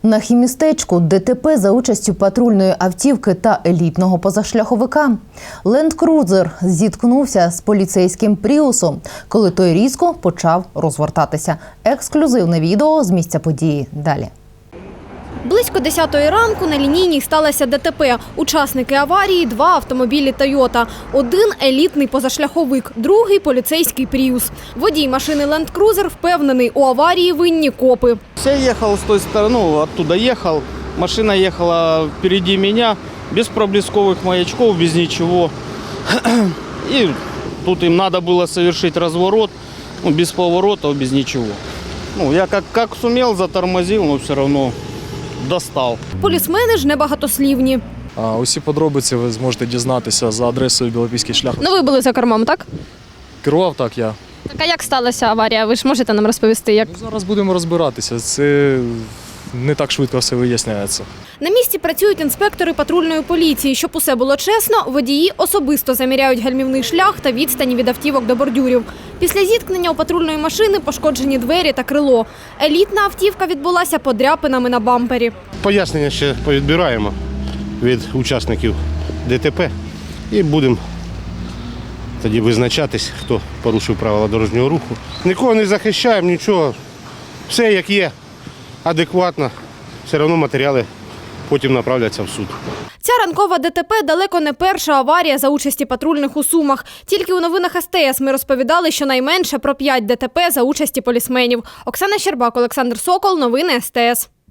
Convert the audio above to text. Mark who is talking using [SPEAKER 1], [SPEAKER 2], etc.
[SPEAKER 1] На хімістечку ДТП за участю патрульної автівки та елітного позашляховика. Ленд-крузер зіткнувся з поліцейським пріусом, коли той різко почав розвертатися. Ексклюзивне відео з місця події далі.
[SPEAKER 2] Близько 10-ї ранку на лінійній сталося ДТП. Учасники аварії – 2 автомобілі «Тойота». Один – елітний позашляховик, другий – поліцейський «Пріус». Водій машини «Ленд-крузер» впевнений, у аварії винні копи.
[SPEAKER 3] Я ехал с той стороны, оттуда ехал. Машина ехала впереди меня, без проблесковых маячков, без ничего. И тут им надо было совершить разворот, без поворотов, без ничего. Я как сумел, затормозил, но все равно достав.
[SPEAKER 2] Полісмени ж небагатослівні.
[SPEAKER 4] Усі подробиці ви зможете дізнатися за адресою Білопільський шлях.
[SPEAKER 2] Ви були за кермом, так?
[SPEAKER 4] Керував так я.
[SPEAKER 2] Так, а як сталася аварія? Ви ж можете нам розповісти, як?
[SPEAKER 4] Зараз будемо розбиратися. Це не так швидко все виясняється.
[SPEAKER 2] На місці працюють інспектори патрульної поліції. Щоб усе було чесно, водії особисто заміряють гальмівний шлях та відстані від автівок до бордюрів. Після зіткнення у патрульної машини пошкоджені двері та крило. Елітна автівка відбулася подряпинами на бампері.
[SPEAKER 5] Пояснення ще повідбираємо від учасників ДТП і будемо тоді визначатись, хто порушив правила дорожнього руху. Нікого не захищаємо, нічого. Все як є, адекватно. Все одно матеріали потім направляться в суд.
[SPEAKER 2] Ця ранкова ДТП далеко не перша аварія за участі патрульних у Сумах. Тільки у новинах СТС ми розповідали щонайменше про 5 ДТП за участі полісменів. Оксана Щербак, Олександр Сокол. Новини СТС.